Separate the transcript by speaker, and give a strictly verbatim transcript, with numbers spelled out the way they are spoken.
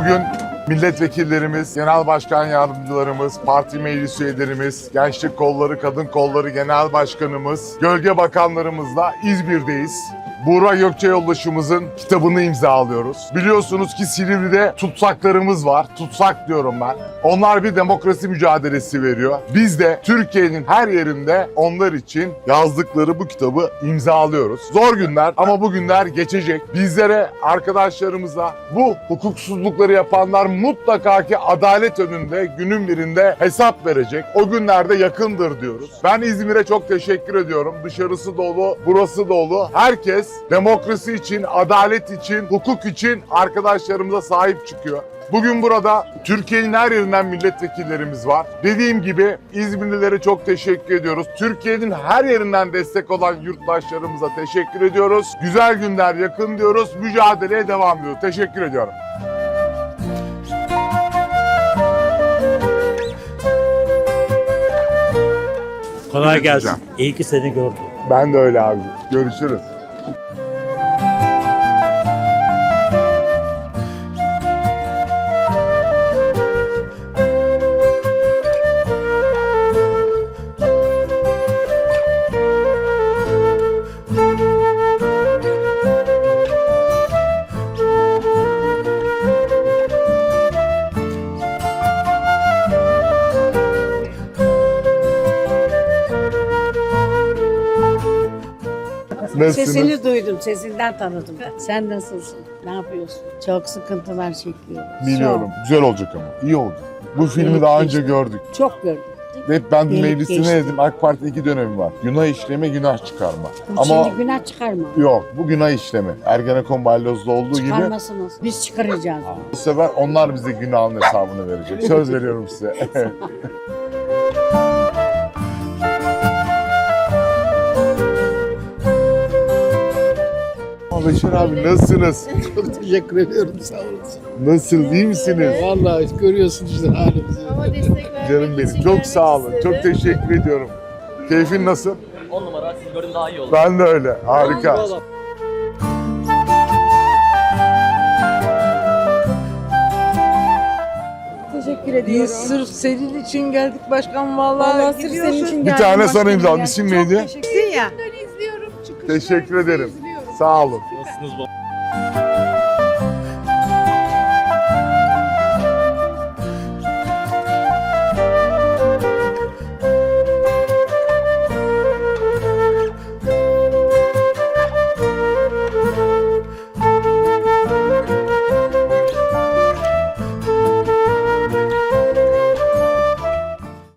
Speaker 1: Bugün milletvekillerimiz, genel başkan yardımcılarımız, parti meclis üyelerimiz, gençlik kolları, kadın kolları genel başkanımız, gölge bakanlarımızla İzmir'deyiz. Buğra Gökçe yoldaşımızın kitabını imzalıyoruz. Biliyorsunuz ki Silivri'de tutsaklarımız var. Tutsak diyorum ben. Onlar bir demokrasi mücadelesi veriyor. Biz de Türkiye'nin her yerinde onlar için yazdıkları bu kitabı imzalıyoruz. Zor günler ama bu günler geçecek. Bizlere, arkadaşlarımıza bu hukuksuzlukları yapanlar mutlaka ki adalet önünde günün birinde hesap verecek. O günlerde yakındır diyoruz. Ben İzmir'e çok teşekkür ediyorum. Dışarısı dolu, burası dolu. Herkes demokrasi için, adalet için, hukuk için arkadaşlarımıza sahip çıkıyor. Bugün burada Türkiye'nin her yerinden milletvekillerimiz var. Dediğim gibi İzmirlilere çok teşekkür ediyoruz. Türkiye'nin her yerinden destek olan yurttaşlarımıza teşekkür ediyoruz. Güzel günler yakın diyoruz. Mücadeleye devam ediyoruz. Teşekkür ediyorum.
Speaker 2: Kolay gelsin. İyi ki seni gördüm.
Speaker 1: Ben de öyle abi. Görüşürüz. Nasılsınız?
Speaker 3: Sesini duydum, sesinden tanıdım. Sen nasılsın? Ne yapıyorsun? Çok sıkıntılar çekiyoruz.
Speaker 1: Biliyorum. Güzel olacak ama. İyi olacak. Bu filmi
Speaker 3: Gelip
Speaker 1: daha önce
Speaker 3: geçti.
Speaker 1: gördük.
Speaker 3: Çok gördüm.
Speaker 1: Hep ben
Speaker 3: Gelip
Speaker 1: meclisine
Speaker 3: geçti.
Speaker 1: dedim. AK Parti iki dönemi var. Günah işleme, günah çıkarma. Ama
Speaker 3: Şimdi günah çıkarma.
Speaker 1: yok. Bu günah işleme. Ergenekon balyozda olduğu gibi
Speaker 3: Çıkarmasınız. Biz çıkaracağız.
Speaker 1: bu sefer onlar bize günahın hesabını verecek. Söz veriyorum size. Beşir abi nasılsınız?
Speaker 4: Çok teşekkür ediyorum, sağ olasın.
Speaker 1: Nasıl, iyi misiniz?
Speaker 4: Vallahi görüyorsun işte halimizi.
Speaker 1: Canım benim. Çok sağ olun. Çok teşekkür ediyorum. Keyfin nasıl?
Speaker 5: on numara, siz gördüm daha iyi oldu.
Speaker 1: Ben de öyle. Harika.
Speaker 4: Vallahi.
Speaker 6: Teşekkür ediyorum.
Speaker 7: Biz sırf senin için geldik başkan vallahi.
Speaker 6: Vallahi sırf senin için
Speaker 1: Bir
Speaker 6: geldim.
Speaker 1: tane sana
Speaker 6: başkanım
Speaker 1: imzaladım.
Speaker 6: ya.
Speaker 1: İsim
Speaker 6: Çok
Speaker 1: neydi?
Speaker 6: teşekkür ya.
Speaker 1: Teşekkür ederim. Sağ olun.
Speaker 5: Nasılsınız baba?